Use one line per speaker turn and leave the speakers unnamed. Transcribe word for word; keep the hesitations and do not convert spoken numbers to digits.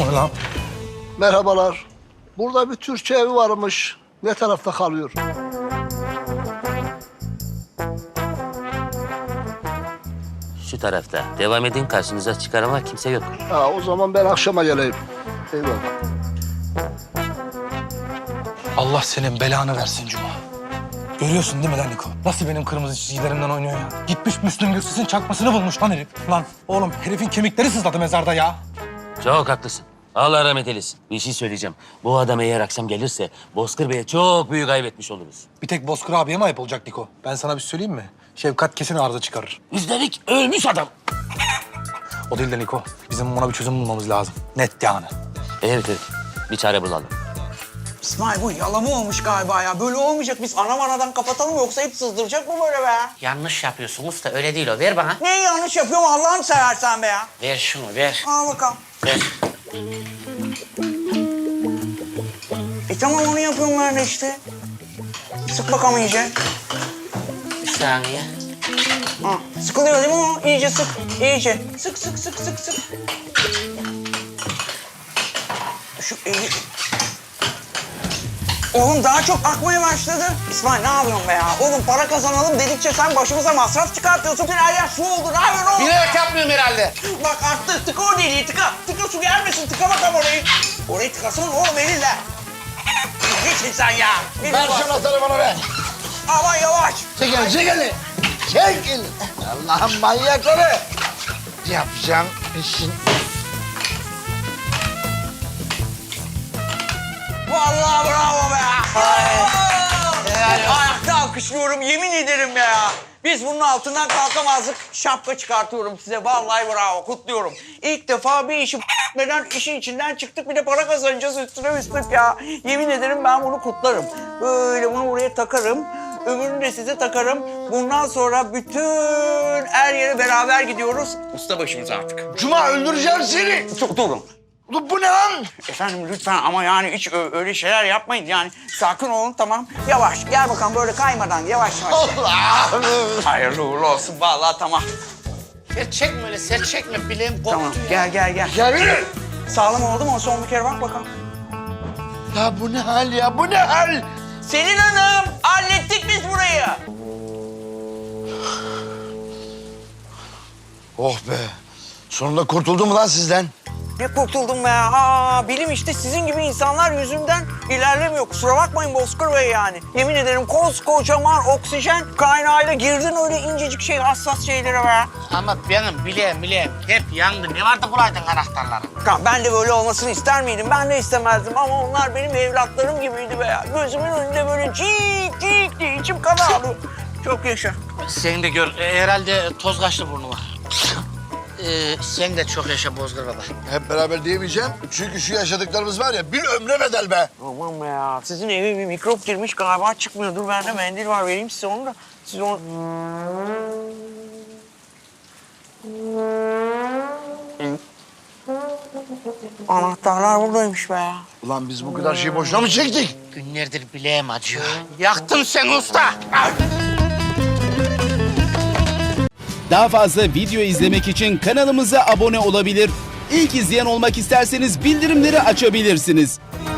O ne lan?
Merhabalar. Burada bir Türkçe evi varmış. Ne tarafta kalıyor?
Şu tarafta. Devam edin, karşınıza çıkar ama kimse yok.
Ha, o zaman ben akşama geleyim. Eyvallah.
Allah senin belanı versin Cuma. Görüyorsun değil mi lan Niko? Nasıl benim kırmızı çizgilerimden oynuyor ya? Gitmiş Müslüm Gürses'in çakmasını bulmuş lan herif. Lan oğlum herifin kemikleri sızladı mezarda ya.
Çok haklısın. Allah rahmet eylesin. Bir şey söyleyeceğim. Bu adam eğer akşam gelirse Bozkır Bey'e çok büyük kaybetmiş oluruz.
Bir tek Bozkır abiye mi ayıp olacak Niko? Ben sana bir söyleyeyim mi? Şefkat kesin arıza çıkarır.
Üstelik ölmüş adam.
O değil de Niko. Bizim ona bir çözüm bulmamız lazım. Net yani.
Evet evet. Bir çare bulalım.
İsmail bu yalama olmuş galiba ya. Böyle olmayacak. Biz ana manadan kapatalım yoksa hep sızdıracak mı böyle be?
Yanlış yapıyorsun usta, öyle değil o. Ver bana.
Neyi yanlış yapıyorum Allah'ını seversen be ya.
Ver şunu, ver.
Al bakalım.
Ver.
E tamam onu yapıyorum ben de işte. Sık bakalım iyice.
Bir saniye.
Ha, sıkılıyor değil mi o? İyice sık, iyice. Sık sık sık sık sık. Şu eli... Oğlum daha çok akmaya başladı. İsmail ne yapıyorsun be ya? Oğlum para kazanalım dedikçe sen başımıza masraf çıkartıyorsun. Her yer su oldu. Ne yapıyorsun oğlum?
Bilerek yapmıyorum herhalde.
Bak arttı. Tıka o deliği tıka. Tıka su gelmesin. Tıka bakalım orayı. Orayı tıkasana oğlum elinle. Geçin sen ya. Bir
Ver
bak.
şu anahtarı bana ver.
Aman yavaş.
Çekil, çekil. Çekil. Allah'ın manyakları. Yapacağım işin.
Vallahi bravo be. Ayakta alkışlıyorum yemin ederim ya. Biz bunun altından kalkamazdık. Şapka çıkartıyorum size. Vallahi bravo. Kutluyorum. İlk defa bir işi etmeden işin içinden çıktık. Bir de para kazanacağız üstüne üstlük ya. Yemin ederim ben bunu kutlarım. Böyle bunu buraya takarım. Öbürünü de size takarım. Bundan sonra bütün her yere beraber gidiyoruz. Usta başımız artık.
Cuma öldüreceğim seni.
Çok durun.
Ulan bu ne lan?
Efendim lütfen ama yani hiç ö- öyle şeyler yapmayın yani. Sakin olun tamam. Yavaş gel bakalım böyle kaymadan yavaş yavaş.
Allah'ım.
Hayırlı uğurlu olsun vallahi tamam.
Sert çekme öyle, sert çekme. Bileğim koptu
Tamam
ya.
gel gel gel.
Ya yürü.
Sağlam oldu mu? Son bir kere bak bakalım.
Ya bu ne hal ya? Bu ne hal?
Selin Hanım hallettik biz burayı.
Oh be. Sonunda kurtuldum mu lan sizden?
Ne kurtuldum be ya. Aa, bilim işte sizin gibi insanlar yüzünden ilerlemiyor. Kusura bakmayın Bozkır Bey yani. Yemin ederim koskocaman oksijen kaynağıyla girdin öyle incecik şey hassas şeylere be.
Ama benim bileğim bileğim hep yandı. Ne vardı bulaydın anahtarları?
Ya ben de böyle olmasını ister miydim? Ben de istemezdim ama onlar benim evlatlarım gibiydi be ya. Gözümün önünde böyle cik cik diye içim kan ağlıyor. Çok yaşa.
Sen de gör, e, herhalde toz kaçtı burnuma. Ee, sen de çok yaşa Bozkır baba.
Hep beraber diyemeyeceğim. Çünkü şu yaşadıklarımız var ya bir ömre bedel be.
Aman be ya. Sizin eve bir mikrop girmiş galiba çıkmıyor. Dur bende mendil var vereyim size onu da. Siz onu... Anahtarlar buradaymış be ya.
Ulan biz bu kadar şeyi boşuna mı çektik?
Günlerdir bileğim acıyor. Yaktın sen usta.
Daha fazla video izlemek için kanalımıza abone olabilir. İlk izleyen olmak isterseniz bildirimleri açabilirsiniz.